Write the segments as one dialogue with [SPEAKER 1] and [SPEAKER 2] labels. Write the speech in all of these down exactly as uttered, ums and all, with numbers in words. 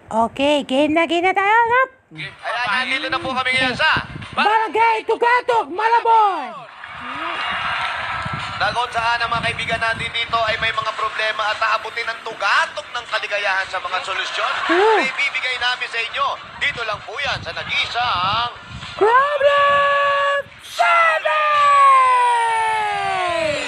[SPEAKER 1] Okay, game na game na tayo, no?
[SPEAKER 2] Ayan, nandito na po kami ngayon sa
[SPEAKER 1] Barangay Tugatog, Malabon!
[SPEAKER 2] Dagon saan ang mga kaibigan natin dito ay may mga problema at aabutin ang tugatog ng kaligayahan sa mga solusyon
[SPEAKER 1] Hmm.
[SPEAKER 2] na ibibigay namin sa inyo. Dito lang po yan sa nag-iisang
[SPEAKER 1] Problem solving!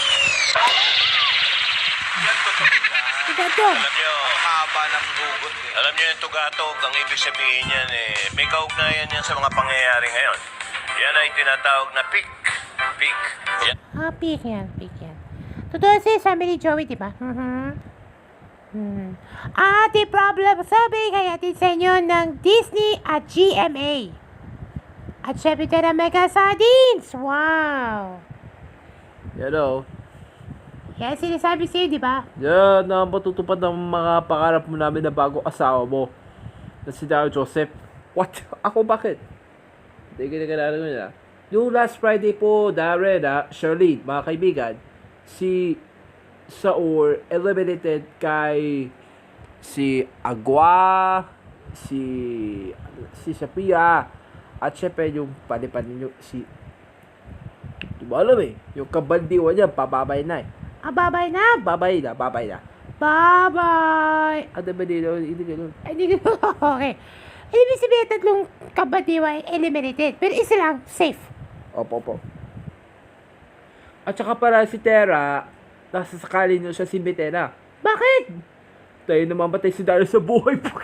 [SPEAKER 3] Yan totoo na.
[SPEAKER 1] Tugatog.
[SPEAKER 3] Alam nyo,
[SPEAKER 2] ang haba ng hugot. Eh.
[SPEAKER 3] alam nyo yung tugatog, ang ibig sabihin yan eh, may kaugnayan yan sa mga pangyayari ngayon. Yan ay tinatawag na peak. Peak. Yan.
[SPEAKER 1] Ah, pick yan, pick yan. Totoo si sabi ni Joey, di ba? Mhm. Hmm. Ating problem solving ay atin sa inyo ng Disney at G M A. At syempre tayo ng Mega Sardines. Wow!
[SPEAKER 4] Yan o.
[SPEAKER 1] Yan sinasabi sa'yo, di ba?
[SPEAKER 4] Yan ang matutupad ng mga pangarap mo namin na bagong asawa mo. Na si Daryl Joseph. What? Ako bakit? Hindi kinakalala ko niya. Yung last Friday po, Darren, ah, Shirley, mga kaibigan, si Saur eliminated kay si Agua, si si Sophia, at syempre yung panipan ninyo, si di ba alam eh, yung kabandiwa niya, pababay na eh.
[SPEAKER 1] Ah, babay na!
[SPEAKER 4] Babay na, babay na.
[SPEAKER 1] Bye-bye!
[SPEAKER 4] Ano ba dito? Hindi ganun.
[SPEAKER 1] Ay, hindi ko. Okay. Ibig sabihin, tatlong kabadiwa ay eliminated. Pero isa lang, safe.
[SPEAKER 4] Opo, opo. At saka para si Tera, nasa sakali niyo siya si Betena.
[SPEAKER 1] Bakit?
[SPEAKER 4] Tayo namamatay si Daryl sa buhay po.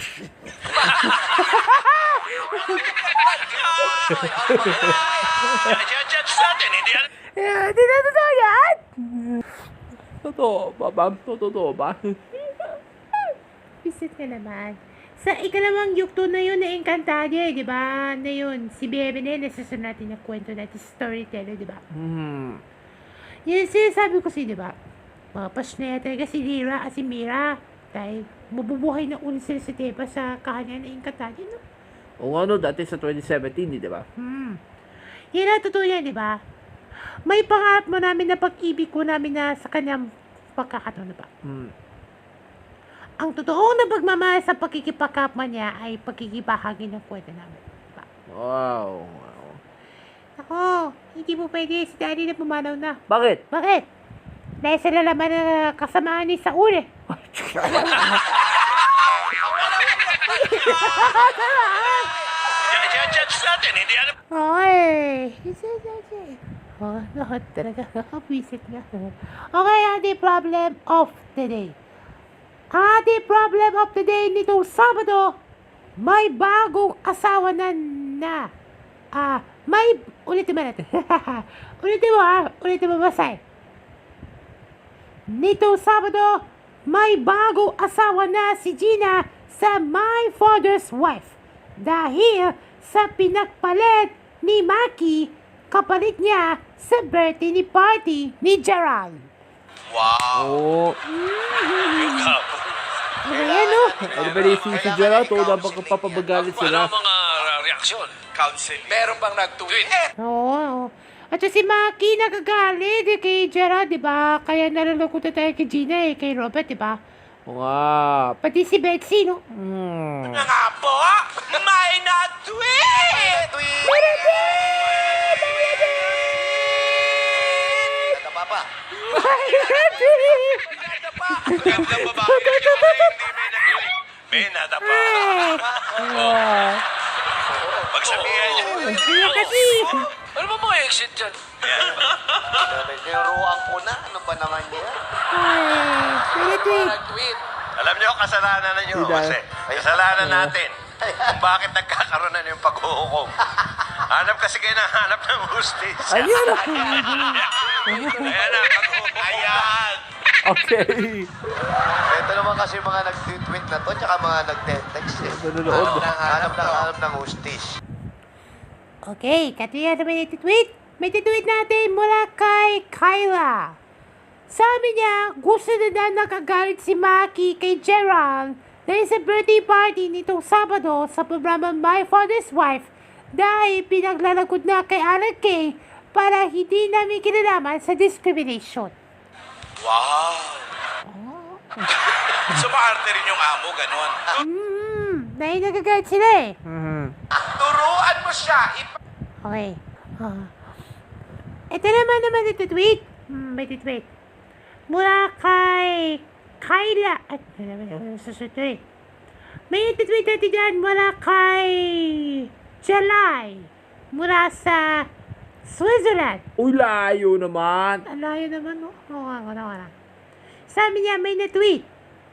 [SPEAKER 3] Judge natin, hindi yan.
[SPEAKER 1] Eh, Hindi na totoo yan.
[SPEAKER 4] Totoo ba, ma'am? Totoo ba?
[SPEAKER 1] Visit ka naman. Sa ikalawang yukto na yun na Encantadia, di ba? Na yun, si Bebe na yun, nasasunod natin na kwento natin, storyteller, di ba?
[SPEAKER 4] Hmm.
[SPEAKER 1] Yun sinasabi ko si, di ba? Mapas na yata talaga si Lyra at si Mira. Dahil mabubuhay na ulit sila sa Teba sa kahanan na Encantadia, no?
[SPEAKER 4] O ano, dati sa twenty seventeen, di ba?
[SPEAKER 1] Hmm. Yan ang totoo yan, di ba? May pangarap mo namin na pag-ibig ko namin na sa kanyang pagkakataon na ba?
[SPEAKER 4] Hmm.
[SPEAKER 1] Ang totoong na pagmamahal sa pagkikipagkapwa niya ay pagkikibahagi ng kwento namin. Diba?
[SPEAKER 4] Wow. wow.
[SPEAKER 1] Ako, hindi mo pwede si Daddy na pumanaw na.
[SPEAKER 4] Bakit?
[SPEAKER 1] Bakit? Dahil sa lalaman na kasamaan ni Saul eh.
[SPEAKER 3] Judge natin, hindi yan.
[SPEAKER 1] Okay. Oh, lahat talaga. Nakapwisit nga. Okay, ating problem of the day. Ating problem of the day nitong Sabado, may bagong asawa na na. Ah, may, ulitin mo natin. ulitin mo ha, ulitin mo basay. Nitong Sabado, may bagong asawa na si Gina sa My Father's Wife. Dahil sa pinagpalit ni Maki, kapalit niya sa birthday ni party ni Gerald.
[SPEAKER 3] Wow.
[SPEAKER 4] Oo.
[SPEAKER 3] Yung kapo.
[SPEAKER 1] Ano yan, no?
[SPEAKER 4] Ano ba rin si si Gerald? O dapat kapapabagalit
[SPEAKER 3] Ano
[SPEAKER 4] sila?
[SPEAKER 3] ang mga uh, reaksyon? Counseling. Meron bang nag-tweet?
[SPEAKER 1] Oo, oo. At si Maki nagagalit eh, kay Gerald, di ba? Kaya nalulungkot na tayo kay Gina eh, kay Robert, di ba?
[SPEAKER 4] Oo nga.
[SPEAKER 1] Pati si Betsy, no?
[SPEAKER 4] Hmm.
[SPEAKER 3] Nga po, may nag-tweet!
[SPEAKER 1] Meron din! Meron din!
[SPEAKER 2] Ito pa pa.
[SPEAKER 1] Meron din!
[SPEAKER 3] Ganda babae na siya, hindi may nag-tweet. May nadapa.
[SPEAKER 1] Ah,
[SPEAKER 3] Pagsabihan niya.
[SPEAKER 1] Kaya kasi,
[SPEAKER 3] Ano ba mga exit dyan?
[SPEAKER 2] Niruruan ko na. Ano ba naman yan?
[SPEAKER 1] ay, meron din.
[SPEAKER 3] Nag-tweet. Alam niyo, kasalanan na niyo.
[SPEAKER 4] Hindi
[SPEAKER 3] Kasi, kasalanan natin. Kung bakit nagkakaroon na yung paghuhukom. Hanap kasi kayo ng hanap ng hostage.
[SPEAKER 4] Ayun.
[SPEAKER 3] Ayan na, paghuhukom. Ayan.
[SPEAKER 4] Okay.
[SPEAKER 2] Ito naman kasi mga nag-tweet na to, tsaka mga nag-text eh.
[SPEAKER 4] Nanonood.
[SPEAKER 2] Hanap ng hanap ng hanap ng hostage.
[SPEAKER 1] Okay, katuya naman yung tweet. May tweet natin mula kay Kyla. Sabi niya, gusto na na nakagalit si Maki kay Gerald dahil sa birthday party nitong Sabado sa programa My Father's Wife dahil pinaglalagod na kay Alan Kay para hindi namin kinalaman sa discrimination.
[SPEAKER 3] Wow. Sumarte rin yung amo, ganon.
[SPEAKER 1] Mm, Dahil nagagalit sila eh.
[SPEAKER 4] Mhm.
[SPEAKER 2] Turuan mo siya. Ipa-
[SPEAKER 1] Okay. Ah. Ito naman naman ito tweet. Hmm, may tweet. Mula kay Kyla. At ano naman yung susunod eh. May tweet natin dyan mula kay July. Mula sa Switzerland.
[SPEAKER 4] Uy, layo naman.
[SPEAKER 1] Ang layo naman, no? Oo nga, oo nga. Sabi niya, may na-tweet.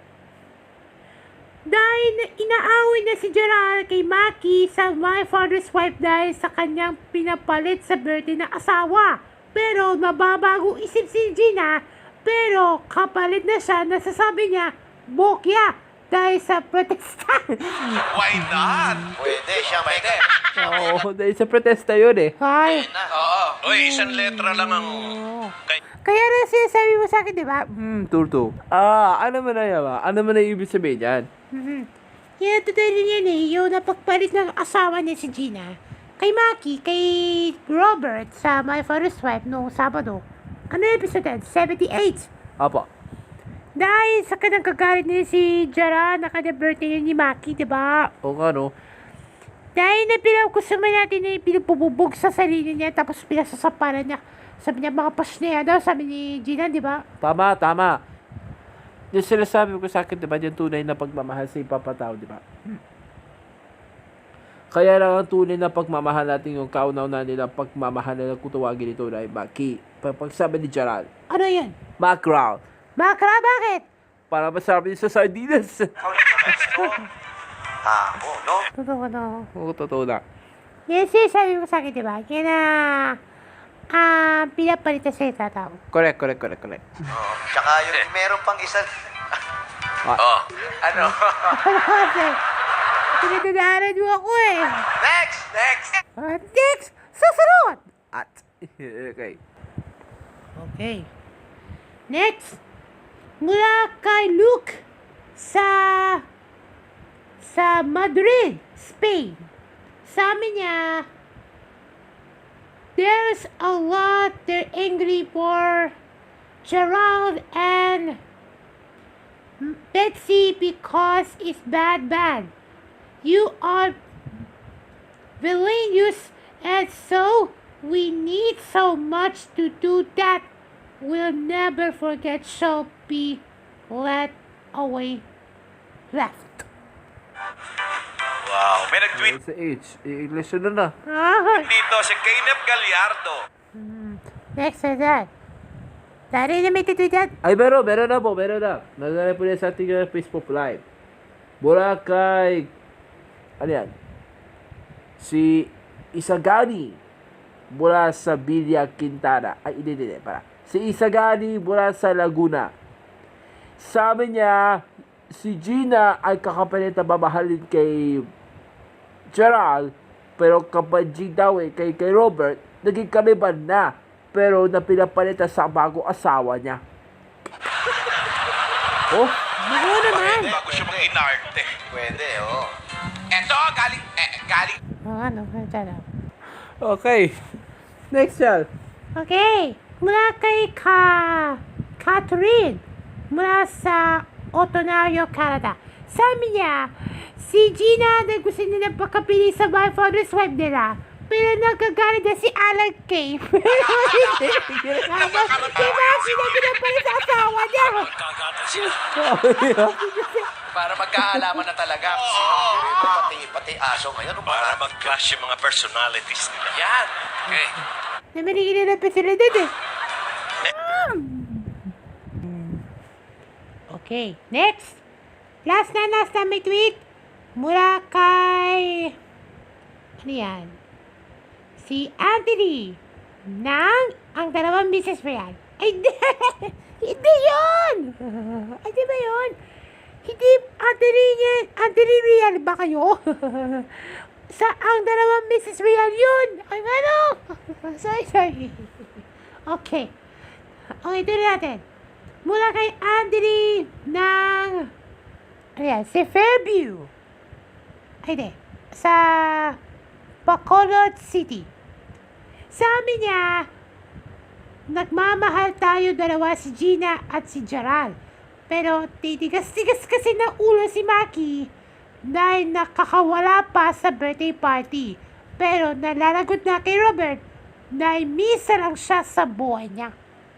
[SPEAKER 1] Dahil na- inaaway na si Gerald kay Maki sa My Father's Wife dahil sa kanyang pinapalit sa birthday na asawa. Pero mababago isip si Gina, pero kapalit na siya, nasasabi niya, bokya, dahil sa protesta.
[SPEAKER 2] Why not? Pwede siya, pwede.
[SPEAKER 4] Oo, dahil sa protesta yun eh.
[SPEAKER 1] Ay.
[SPEAKER 2] Oo.
[SPEAKER 3] Uy, isang letra lang ang... Kay-
[SPEAKER 1] Kaya rin sinasabi mo sa akin, di ba?
[SPEAKER 4] Hmm, turto. Ah, ano man na yan ba? Ano man na ibig sabihin yan?
[SPEAKER 1] Mm-hmm. Yan, totoo rin yan eh. Yung napagpalit ng asawa niya si Gina kay Maki, kay Robert sa My Father's Wife noong Sabado. Ano yung episode yan? seventy-eight.
[SPEAKER 4] Apo.
[SPEAKER 1] Dahil sa kanang kagalit niya si Jara na kanyang birthday ni Maki, di ba?
[SPEAKER 4] O nga no.
[SPEAKER 1] Dahil na pinagkusuman natin na pinagpububog sa sarili niya tapos pinasasaparan niya. Sabi niya mga pasnea daw, sabi ni Gina, di ba?
[SPEAKER 4] Tama, tama. Yung sinasabi ko sa akin, di ba, yung tunay na pagmamahal sa ipapatao, di ba? Kaya lang ang tunay na pagmamahal natin yung kaunaw na nila pagmamahal na kutawagin ito na Maki. Pag sabi ni Gerald,
[SPEAKER 1] Ano yan?
[SPEAKER 4] Macron.
[SPEAKER 1] Makra, bakit?
[SPEAKER 4] Para masarap yun sa sardinas.
[SPEAKER 2] Tamo, no?
[SPEAKER 1] Totoo na.
[SPEAKER 4] Oo, totoo na.
[SPEAKER 1] Yes, yes, sabi ko sa akin, di ba? Kaya na, ah, pinapalitan sa isang tao.
[SPEAKER 4] Correct, correct, correct, correct.
[SPEAKER 2] Oo. Tsaka yung meron pang isa.
[SPEAKER 3] Oh,
[SPEAKER 2] Ano?
[SPEAKER 1] Kasi, pinagdadaanan mo ako eh.
[SPEAKER 2] Next! Next!
[SPEAKER 1] Uh, next, susunod!
[SPEAKER 4] At, okay.
[SPEAKER 1] Okay. Next, mula kay Luke sa sa Madrid, Spain. Sabi niya, there's a lot they're angry for Gerald and Betsy because it's bad bad. You are villainous and so we need so much to do that. We'll never forget shall be let away left.
[SPEAKER 3] wow. May nag-tweet
[SPEAKER 4] Sa H, i-English na na.
[SPEAKER 1] Ah,
[SPEAKER 3] dito si Kenneth Gallardo.
[SPEAKER 1] next is that. Dari na may titweet yan.
[SPEAKER 4] Ay, meron, meron na po, meron na. Naglalay po niya sa ating uh, Facebook Live. Mula kay, ano yan? Si Isagani mula sa Villa Quintana. Ay, hindi, hindi, para. Si Isagani mula sa Laguna. Sabi niya, si Gina ay kakapalit na mamahalin kay Gerald, pero kapag G daw eh, kay, kay Robert, naging kaliban na. Pero na pinapalitan sa bago asawa niya. Oh,
[SPEAKER 1] Bago naman.
[SPEAKER 3] Bago siya mag-inarte.
[SPEAKER 2] Pwede, oo.
[SPEAKER 3] Eto, galing, eh, galing.
[SPEAKER 1] Oh, ano, ano.
[SPEAKER 4] okay. Next yan.
[SPEAKER 1] Okay. Mula kay Ka... Catherine. Mula sa Ontario, Canada. Sabi niya, si Gina na gusto nila pakapili sa My Father's Wife nila. Pero nagkagalit na si Alan Kay. Pero hindi. Diba, sinabi pala sa asawa niya.
[SPEAKER 2] Para magkaalaman na talaga. Oo. Pati, pati aso ngayon. Ano
[SPEAKER 3] Para
[SPEAKER 2] ba?
[SPEAKER 3] mag-clash yung mga personalities nila.
[SPEAKER 2] Yan. Okay.
[SPEAKER 1] Namarigin na lang pa sila dun eh. Okay, next. Last na, last na may tweet. Mula kay... Ano yan? Si Anthony. Nang ang dalawang misis mo yan. Ay, hindi. Hindi yun. Ay, di ba yun? Hindi, Anthony yan. Anthony Real ba kayo? Sa ang dalawang misis Real yun. Ay, ano? Sorry, sorry. Okay. Okay, tuloy natin. Mula kay Anthony ng... Ano yan? Si Fairview. Ay, di. Sa... Bacolod City. Sabi niya, nagmamahal tayo dalawa si Gina at si Gerald. Pero titigas-tigas kasi ng ulo si Maki dahil nakakawala pa sa birthday party. Pero nalalagot na kay Robert dahil misa lang siya sa buhay niya.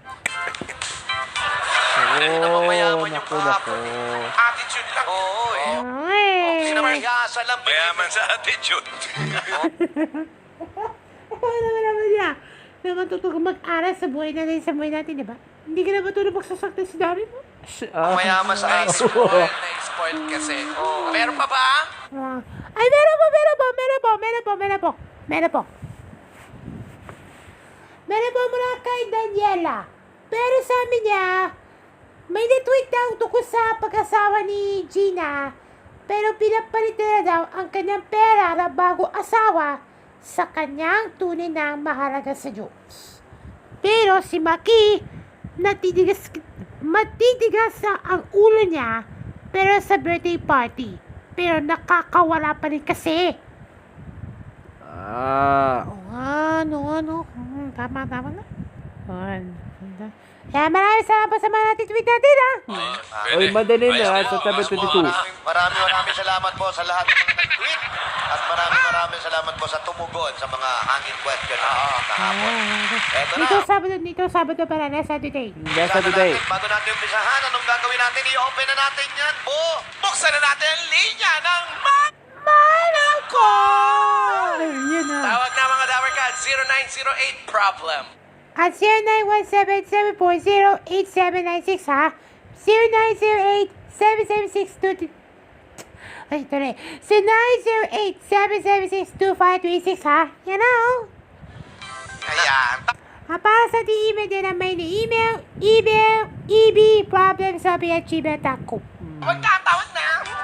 [SPEAKER 4] Oh,
[SPEAKER 2] mayaman yung
[SPEAKER 4] naku, naku.
[SPEAKER 2] Attitude lang. Oo, eh.
[SPEAKER 1] Ay!
[SPEAKER 2] Sinamahiyasa lang.
[SPEAKER 3] Mayaman sa attitude.
[SPEAKER 1] Ano naman naman niya? Na matuto kang mag-aral sa buhay natin, sa buhay natin, di ba? Hindi ka na matulog magsasaktan si Dami mo?
[SPEAKER 4] Ah,
[SPEAKER 2] Mayaman sa
[SPEAKER 5] Na-spoil, na-spoil kasi. Meron pa ba?
[SPEAKER 1] Ah. Ay, meron po, meron po, meron po, meron po, meron po, meron po. Meron po mula kay Daniela. Pero sabi niya, may na-tweet daw tungkol sa pag-asawa ni Gina. Pero pinapalit na daw ang kanyang pera na bago asawa sa kanyang tunay na mahalaga sa Diyos. Pero si Maki, natitigas, matitigas sa ang ulo niya pero sa birthday party. Pero nakakawala pa rin kasi.
[SPEAKER 4] ah.
[SPEAKER 1] Oo nga, ano, ano. Hmm, tama, tama na. Ayan. Kaya maraming salamat po sa mga natitweet natin, ha?
[SPEAKER 4] Oy, madali na,
[SPEAKER 3] Ayos
[SPEAKER 4] sa
[SPEAKER 3] po,
[SPEAKER 4] tabi
[SPEAKER 3] ayos po.
[SPEAKER 4] twenty-two.
[SPEAKER 2] Maraming, maraming maraming salamat po sa lahat ng mga nag-tweet. At maraming maraming salamat po sa tumugon sa mga hangin question natin kahapon. Eto na.
[SPEAKER 1] Dito Sabado, dito Sabado para na Saturday.
[SPEAKER 4] Yes,
[SPEAKER 2] Sana
[SPEAKER 4] today.
[SPEAKER 2] natin, bago natin umpisahan, anong gagawin natin? I-open na natin yan, po.
[SPEAKER 5] Buksan na natin ang linya ng ma...
[SPEAKER 1] Manang ko! Yun na.
[SPEAKER 5] Tawag na mga Dower Cats, zero nine zero eight problem.
[SPEAKER 1] At zero nine one seven, seven four zero, eight seven nine six, ha? zero nine zero eight, seven seven six, two... Ay, ito na eh. zero nine zero eight, seven seven six, two five three six, ha? Yan na, oh.
[SPEAKER 5] Ayan.
[SPEAKER 1] Ah, para sa di-email din ang may ni-email, email, ebproblemsolving at gmail dot com.
[SPEAKER 5] Magkatawad na.